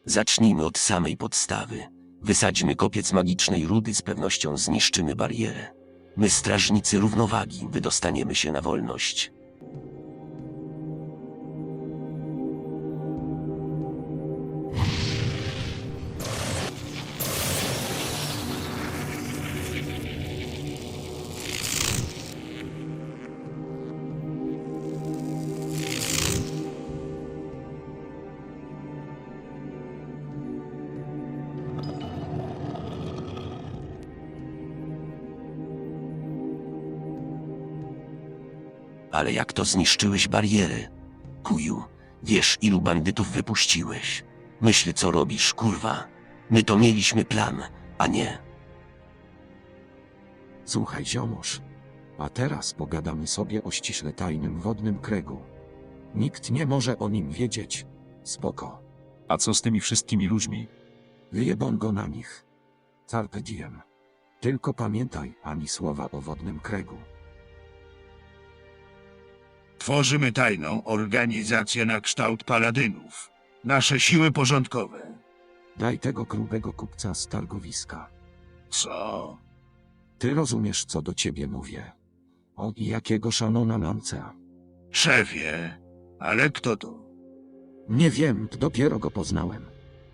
Zacznijmy od samej podstawy. Wysadźmy kopiec magicznej rudy, z pewnością zniszczymy barierę. My, strażnicy równowagi, wydostaniemy się na wolność. Ale jak to zniszczyłeś barierę? Kuju, wiesz, ilu bandytów wypuściłeś? Myśl, co robisz, kurwa. My to mieliśmy plan, a nie. Słuchaj, ziomuś. A teraz pogadamy sobie o ściśle tajnym wodnym kręgu. Nikt nie może o nim wiedzieć. Spoko. A co z tymi wszystkimi ludźmi? Wyjebą go na nich. Carpe diem. Tylko pamiętaj, ani słowa o wodnym kręgu. Tworzymy tajną organizację na kształt paladynów. Nasze siły porządkowe. Daj tego grubego kupca z targowiska. Co? Ty rozumiesz, co do ciebie mówię. O i jakiego szanona Lancea. Szefie, ale kto to? Nie wiem, dopiero go poznałem.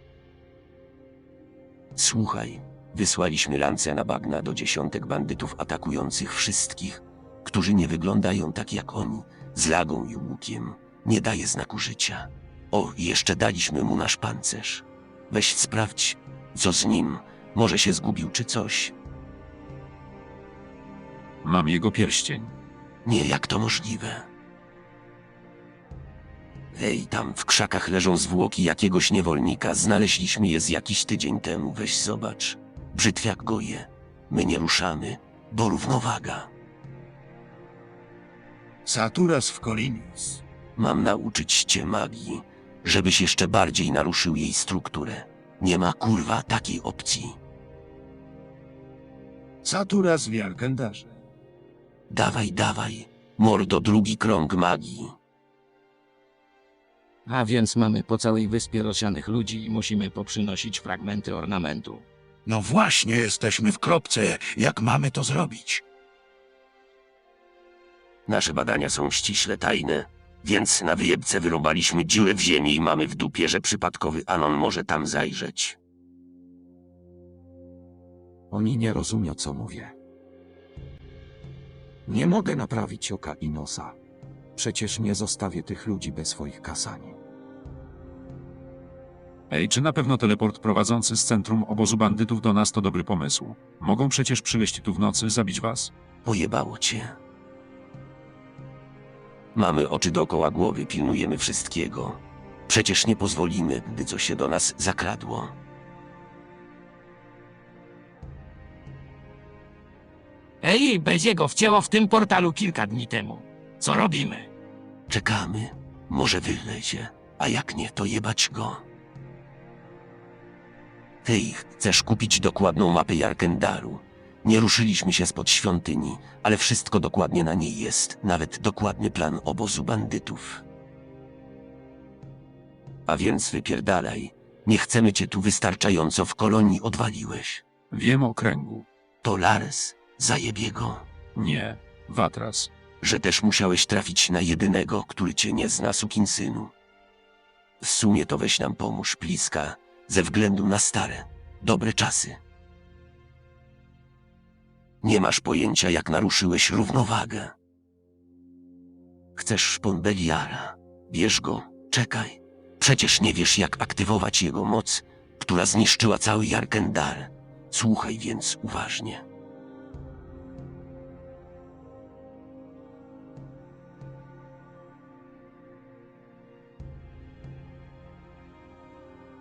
Słuchaj, wysłaliśmy lance na bagna do dziesiątek bandytów atakujących wszystkich, którzy nie wyglądają tak jak oni, z lagą i łukiem. Nie daje znaku życia. O, i jeszcze daliśmy mu nasz pancerz. Weź sprawdź, co z nim. Może się zgubił czy coś. Mam jego pierścień. Nie, jak to możliwe? Ej, tam w krzakach leżą zwłoki jakiegoś niewolnika. Znaleźliśmy je z jakiś tydzień temu. Weź zobacz. Brzytwiak goje. My nie ruszamy, bo równowaga. Saturas w Kolinis. Mam nauczyć cię magii, żebyś jeszcze bardziej naruszył jej strukturę. Nie ma, kurwa, takiej opcji. Saturas w Jarkendarze. Dawaj, dawaj, mordo, drugi krąg magii. A więc mamy po całej wyspie rozsianych ludzi i musimy poprzynosić fragmenty ornamentu. No właśnie, jesteśmy w kropce. Jak mamy to zrobić? Nasze badania są ściśle tajne, więc na wyjebce wyrobaliśmy dziurę w ziemi i mamy w dupie, że przypadkowy Anon może tam zajrzeć. Oni nie rozumią, co mówię. Nie mogę naprawić oka i nosa. Przecież nie zostawię tych ludzi bez swoich kasani. Ej, czy na pewno teleport prowadzący z centrum obozu bandytów do nas to dobry pomysł? Mogą przecież przyleść tu w nocy, zabić was? Pojebało cię. Mamy oczy dookoła głowy, pilnujemy wszystkiego. Przecież nie pozwolimy, gdy coś się do nas zakradło. Ej, Beziego wcięło w tym portalu kilka dni temu. Co robimy? Czekamy, może wylezie, a jak nie, to jebać go. Ty chcesz kupić dokładną mapę Jarkendaru. Nie ruszyliśmy się spod świątyni, ale wszystko dokładnie na niej jest, nawet dokładny plan obozu bandytów. A więc wypierdalaj, nie chcemy cię tu, wystarczająco w kolonii odwaliłeś. Wiem o kręgu. To Lares, zajebie go. Nie, Watras. Że też musiałeś trafić na jedynego, który cię nie zna, sukinsynu. W sumie to weź nam pomóż, Pliska, ze względu na stare, dobre czasy. Nie masz pojęcia, jak naruszyłeś równowagę. Chcesz szpon Beliara? Bierz go, czekaj. Przecież nie wiesz, jak aktywować jego moc, która zniszczyła cały Jarkendar. Słuchaj więc uważnie.